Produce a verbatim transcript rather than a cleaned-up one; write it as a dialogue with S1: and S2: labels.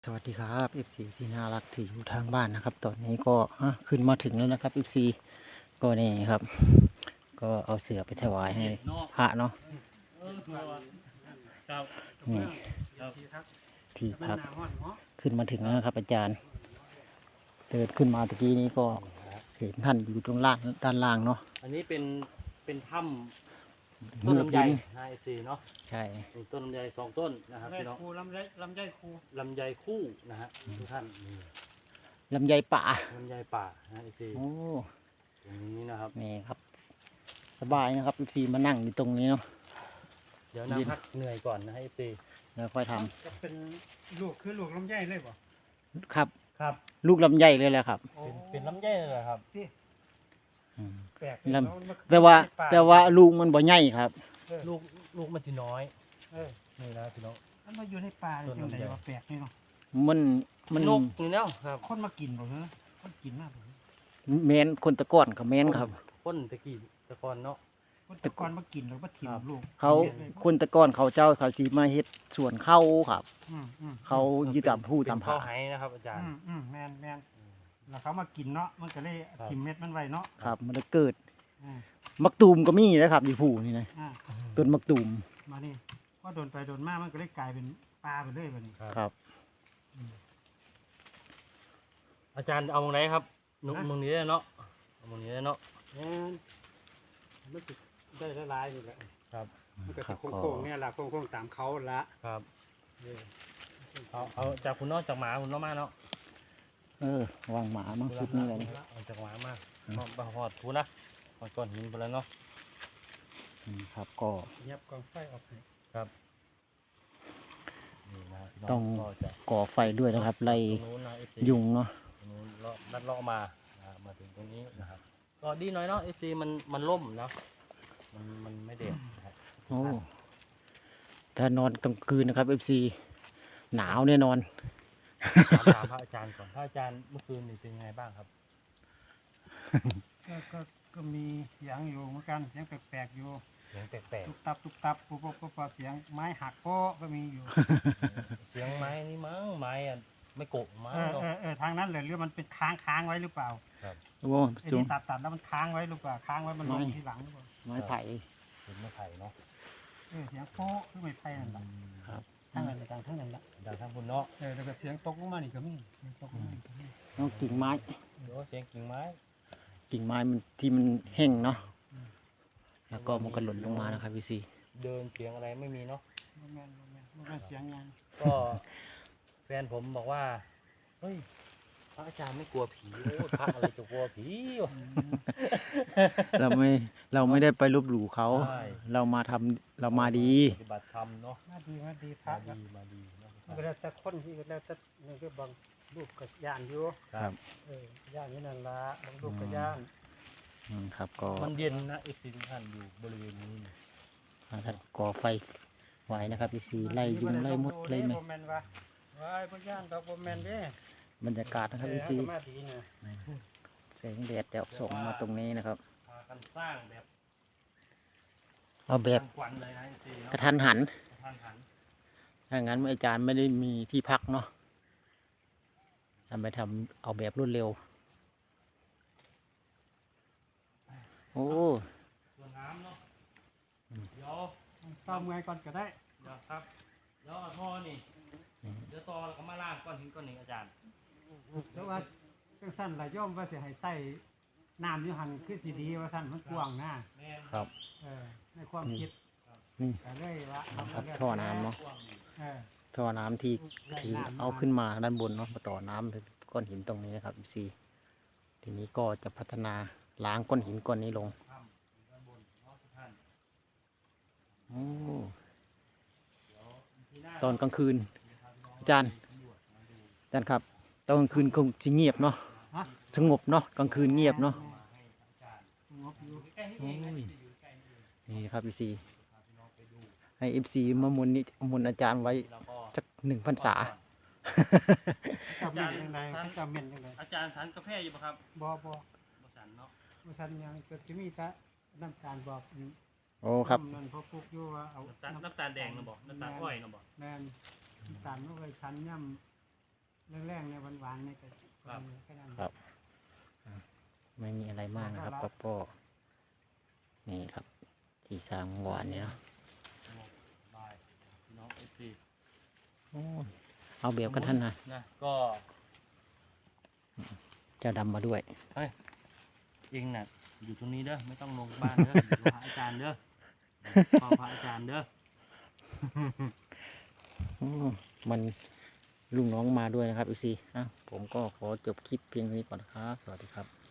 S1: สวัสดีครับ เอฟ ซี ที่น่ารักที่อยู่ทางบ้านนะครับ ตอนนี้ก็อ่ะขึ้นมาถึงแล้วนะครับ เอฟ ซี ก็นี่ครับ ก็เอาเสือไปถวายให้พระเนาะนี่ที่พักขึ้นมาถึงแล้วนะครับ อาจารย์เดินขึ้นมาตะกี้นี้ก็เห็นท่านอยู่ตรงล่างด้านล่างเนาะ
S2: อันนี้เป็นเป็นถ้ำต้นลำไยนะเอฟซีเนาะ
S1: ใช่
S2: มีต้นลำไยสองต้นนะครับพี่น้อง
S3: คูลำไยลำไยคู
S2: ลำไยคู่นะฮะทุกท่านนี่
S1: ลำไยป่า
S2: ลำไยป่านะเอฟซี
S1: โอ้
S2: ตรงนี้นะครับ
S1: นี่ครับ สบายนะครับ เอฟ ซี มานั่งอยู่ตรงนี้เนาะ
S2: เดี๋ยวนั่งพักเหนื่อยก่อนนะเอฟซี
S1: แล้วค่อยท
S3: จะเป็นลูกคือลูกลำไยเลยบ่
S1: ำครับ
S2: ครับ
S1: ลูกลำไยเลยแหละครับ
S2: เป็นเป็นลำไยเลยเหรอครับ
S3: ที่
S1: อืม
S3: แปลก
S1: ลำ
S3: เนะมัน
S1: แต่ว่า
S3: ป่
S1: แต่ว่าลูกมันบ่ใหญ่ครับ
S3: เออ
S2: ลูกลูกมันจะน้อย
S3: เออ
S2: นี่นะพี่น้อง
S3: มันมาอยู่ในป่าเลย
S2: ต้น
S3: จัง
S2: ลำ
S3: ได
S2: ไย
S3: ว่าแปลกนี่เนาะ
S1: มันมัน
S2: นกนี่เนาะครับ
S3: คนมากินบ่เหรอคนกินมากบ่
S1: แมนคนตะก้อนกับแมนครับ
S2: พ่นตะกี้ตะกอนเนาะ
S3: คนแตะกอนมากินแล้วมาถิ่ม
S2: ครับ
S3: ลูก
S1: เขา
S3: เลย
S1: คนตะก้อนเขาเจ้าเขาสีมาเฮ็ดสวนเข้าครับ
S3: อืมอืม
S1: เขายึดตามผู้ตาม
S2: เป็นข้า
S1: ผาว
S2: ไหนะครับอาจารย์
S3: อืมอืมแมนแมนแล้วเขามากินเนาะมันก็เลย
S2: ครับ
S3: ถิ่มเม็ดมันไว้เนาะ
S1: ครับ มันเลยเกิด
S3: อ่า
S1: มักตูมก็มีนะครับอยู่ผู้นี่นะ
S3: อ่า
S1: ต้นมักตูม
S3: มานี่ว่าโดนไปโดนมามันก็เลยกลายเป็นปลาไปเลยบัดนี้
S1: ครับ
S2: อาจารย์เอาตรงไหนครับหนุ่มมึงนี้ได้เนาะเอามึงนี้ได้เนาะ
S3: แม่นมันสิได้ละลายนี่แหละ
S2: ครับ
S3: มันก็
S1: ครั
S3: สิ
S1: บ
S3: โค้งๆเนี่ยล่ะโค้งๆตามเขาละ
S2: ครับ
S3: เออ
S2: เอาเอาจากคุณเนอกจากหมาคุณเนอกมาเนาะ
S1: เออวางหมามังชุดนี่เลยนะ
S2: เอาจากหมามา
S1: อืม
S2: มาบาหอดทูนะหอดก้อนหินไปแล้วเนาะ
S1: อืมครับก็
S3: เย็บกองไฟออกให้
S2: ครับนี่นะพี่น้
S1: ต้อง
S2: ก็จะ
S1: ก่อไฟด้วยนะครับ ไล่
S2: ตรงนู้นนะเอฟซี
S1: ยุงเนาะ
S2: ตรงนู้นเลาะลัดเลาะมานะมาถึงตรงนี้นะครับก็ดีหน่อยเนาะเอฟซีมันมันล่มเนาะมันมันไม่เด็ดนะครับ
S1: โอ้ถ้านอนกลางคืนนะครับ เอฟ ซี หนาวแน่นอน
S2: ถามถามพระอาจารย์ก่อนพระอาจารย์เมื่อคืนนี่เป็นยังไงบ้างครับ
S3: ก็ก็ก็มีเสียงอยู่เหมือนกันเสียงแปลกๆอยู่
S2: เสียงแปลก
S3: ตุบตับตุบตับปุ๊บปุ๊บปุ๊บปุ๊บเสียงไม้หักโป๊ะก็มีอยู่
S2: ๆเสียงไม้นี่มั้งไม้อะไม่โกะมั้ง
S3: เออ
S2: เนาะ
S3: เออเออทางนั้นเลยหรือมันเป็นค้างค้างไว้หรือเปล่า
S1: โอ้
S3: ไอ้
S1: จุง
S3: ที่ตัดตัดแล้วมันค้างไว้หรือเปล่าค้างไว้มันลง
S1: ไม่
S3: ทีหลังหรือเปล่า
S1: ไม้ไผ่
S2: เป็นไม้ไผ่เนาะ
S3: เออเสียงโป๊ะคือไม่ไผ่นั่นแหละ
S1: ครับ
S3: ทั้งนั้นเลยทั้งนั้นแหละ
S2: ดังทั้งคุณเนาะ
S3: เออแล้วก็เสียงตกลงมานี่ก็มีเสียงตกลงมานี่ก็มี
S1: ต้องกิ่งไม้
S2: เดี๋ยวเสียงกิ่งไม้
S1: กิ่งไม้มันที่มันแห้งเนาะ แล้วก็มันก็หล่นลงมานะครับพี่ซี
S2: เดินเสียงอะไรไม่มีเนาะ
S3: บ่แม่นบ่แม่นบ่แม่นเสียงยัง
S2: ก็แฟนผมบอกว่าเฮ้ยพระอาจารย์ไม่กลัวผีโอ้ยพระอะไรจะกลัวผีวะ
S3: อืม
S1: เราไม่เราไม่ได้ไปลบหลู่เขา
S2: ใช่
S1: เรามาทำเรามาดี
S2: ปฏิบัติธรรมเนาะ
S3: มาดีมาดีพระ
S2: มา
S3: ก็
S2: ดีมาดีเนาะ
S3: มันก็แล้วแต่คนที่ก็แล้วแต่นี่ก็บางรูปก็ย่านอยู่
S1: ครับ
S3: เออย่านนี้นั่นละบางรูปก็ย่าน
S1: อืมครับก็
S2: มันเย็นนะเอฟซีทุกท่านอยู่บริเวณนี้นี่
S1: ท่านก่อไฟไว้นะครับพี่ซีไล่ยุงไล่มดไล่แมง
S3: บ่แม่นว่าว้ายบ่ย่านดอกบ่แม่นเด้
S1: บรรยากาศนะครับพี่ซี
S3: เออมาดีนะ
S1: แสงแดดจะส่งมาตรงนี้นะครับ
S2: พากันสร้างแบบ
S1: เอาแบบ
S2: ทางควันเลยนะเอฟซี
S1: ก
S2: เนาะ
S1: ระทันหัน
S2: กระทันหัน
S1: ถ้างั้นอาจารย์ไม่ได้มีที่พักเนาะทำไปทำเอาแบบรวดเร็ว โอ้
S2: ส่วนน้ำเนาะ
S1: อืม
S2: เดี๋ยว
S3: ซ่อมไงก่อนก็ได้
S2: เดี๋ยวครับเดี๋ยวเอาท่อนี่
S1: อืม
S2: เดี๋ยวต่อแล้วก็มาล่างก้อนหินก้อนหนึ่งอาจารย์
S3: แล้วว่าจังซั่นล่ะย่อมว่าสิให้ใส่น้ำอยู่หั่นคือสิดีว่าซั่นมันกว้างนะ
S2: แม่น
S1: ครับ
S3: เออในความคิด
S1: นี่
S3: ก็เลยว่า
S1: ครับท่อน้ำเนาะ
S2: กว้างอยู่
S3: เออ
S1: ท่อน้ำที่ถือเอาขึ้นมาด้านบนเนาะมาต่อน้ำถึงก้อนหินตรงนี้นะครับซีทีนี้ก็จะพัฒนาล้างก้อนหินก้อนนี้ลง
S2: ถ้ำอยู่ด้านบนเนาะทุกท่าน
S1: โอ้
S2: เดี๋ยวทีหน้า
S1: ตอนกลางคืน
S2: พาพี่น้อง
S1: อาจารย์
S2: สำรวจมาดู
S1: อาจารย์ครับตอนกลางคืนคงจะเงียบเนาะ
S3: ฮะ
S1: สงบเนาะกลางคืนเงียบเนาะ
S2: มาให้อาจารย์
S3: สงบอยู่
S2: ใกล้ๆนี่เองนะที่อยู่ใกล้นี่เอง
S1: นี่ครับพี่ซี
S2: พาพี่น้องไปดู
S1: ให้เอฟซีมามุนนี่มุนอาจารย์ไว้
S2: แล้วก็
S1: สักหนึ่งพรรษา
S3: จะเม่นจังไดจะเม่นจังได
S2: อาจารย์สันกาแฟอยู่ปะครับ
S3: บ่บ่
S2: บ่สันเนาะ
S3: บ่ซั่นยังก็สิมีแต่น้ำตาลบอก
S1: โอ้ครับ
S3: น้ำนั่นพอปลูกอยู่ว่าเอา
S2: น้ำตาลน้ำตาลแดงนะบอกน้ำตาลอ้อยนะบอก
S3: แม่นน้ำตาลมันเคยชั้นย่แรงๆในหวานๆนี่ก็
S2: ครับ
S3: แค่นั้น
S1: ครับ ไม่มีอะไรมากนะครับก็ก็นี่ครับ ที่สร้างหวานเนี่ยเนาะ
S2: บายพี่น้องเอฟซี
S1: โอ้เอาเบียบกันท่านนะ
S2: นะก็
S1: เจ้าดำมาด้วย
S2: เฮ้ยเองน่ะอยู่ตรงนี้เด้อไม่ต้องลงบ้านเด้ออยู่กับพระอาจารย์เด้อขอพระอาจารย์เด้อ
S1: อืมมันลุงน้องมาด้วยนะครับอีซีอ่ะผมก็ขอจบคลิปเพียงเท่านี้ก่อนนะครับ สวัสดีครับ